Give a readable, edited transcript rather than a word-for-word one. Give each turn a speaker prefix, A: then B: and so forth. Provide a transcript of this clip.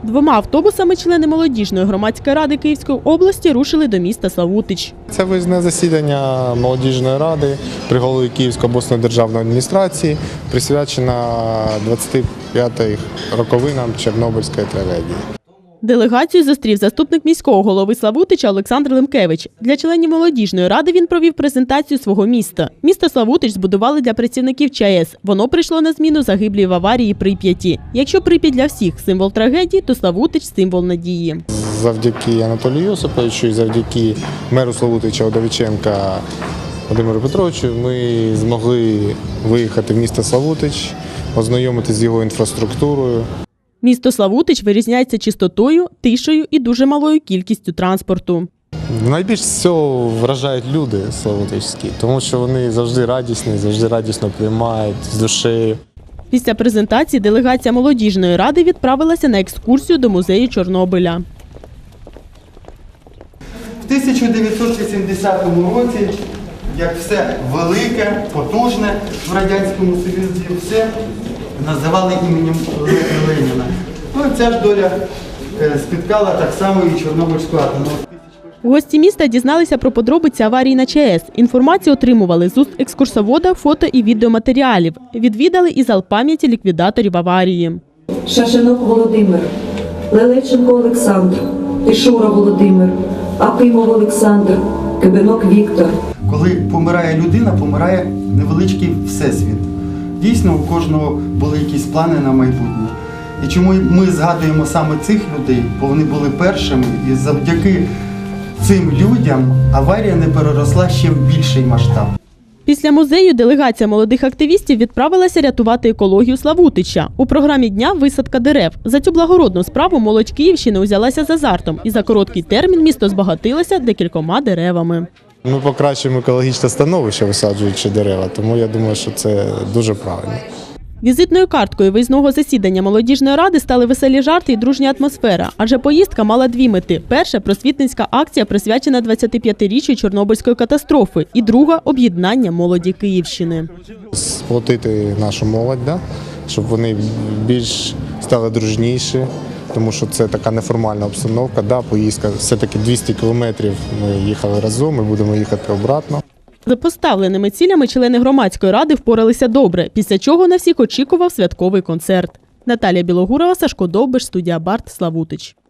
A: 2 автобусами члени молодіжної громадської ради Київської області рушили до міста Славутич.
B: Це виїзне засідання молодіжної ради при голові Київської обласної державної адміністрації, присвячена 25-й роковинам Чорнобильської трагедії.
A: Делегацію зустрів заступник міського голови Славутича Олександр Лемкевич. Для членів молодіжної ради він провів презентацію свого міста. Місто Славутич збудували для працівників ЧАЕС. Воно прийшло на зміну загиблій в аварії Прип'яті. Якщо Прип'ять для всіх символ трагедії, то Славутич – символ надії.
B: Завдяки Анатолію Йосиповичу і завдяки меру Славутича Удовиченка Володимиру Петровичу ми змогли виїхати в місто Славутич, ознайомитися з його інфраструктурою.
A: Місто Славутич вирізняється чистотою, тишею і дуже малою кількістю транспорту.
B: Найбільш всього вражають люди славутичські, тому що вони завжди радісні, завжди радісно приймають з душею.
A: Після презентації делегація молодіжної ради відправилася на екскурсію до музею Чорнобиля.
C: В 1980 році, як все велике, потужне в Радянському Союзі, все називали іменем Леніна. Ну, ця ж доля спіткала так само і Чорнобильську атомну.
A: Гості міста дізналися про подробиці аварії на ЧАЕС. Інформацію отримували з уст екскурсовода, фото і відеоматеріалів. Відвідали і зал пам'яті ліквідаторів аварії.
D: Шашинок Володимир, Лелеченко Олександр, Тишура Володимир, Акимов Олександр, Кибинок Віктор.
C: Коли помирає людина, помирає невеличкий всесвіт. Дійсно, у кожного були якісь плани на майбутнє. І чому ми згадуємо саме цих людей, бо вони були першими, і завдяки цим людям аварія не переросла ще в більший масштаб.
A: Після музею делегація молодих активістів відправилася рятувати екологію Славутича. У програмі дня висадка дерев. За цю благородну справу молодь Київщини узялася з азартом. І за короткий термін місто збагатилося декількома деревами.
B: Ми покращуємо екологічне становище, висаджуючи дерева, тому я думаю, що це дуже правильно.
A: Візитною карткою виїзного засідання молодіжної ради стали веселі жарти і дружня атмосфера. Адже поїздка мала 2 мети. Перша – просвітницька акція, присвячена 25-річчю Чорнобильської катастрофи. І друга – об'єднання молоді Київщини.
B: Сплотити нашу молодь, щоб вони більш стали дружніші, тому що це така неформальна обстановка. Поїздка все-таки 200 кілометрів ми їхали разом, ми будемо їхати обратно.
A: За поставленими цілями члени громадської ради впоралися добре, після чого на всіх очікував святковий концерт. Наталія Білогурова, Сашко Довбиш, студія Барт, Славутич.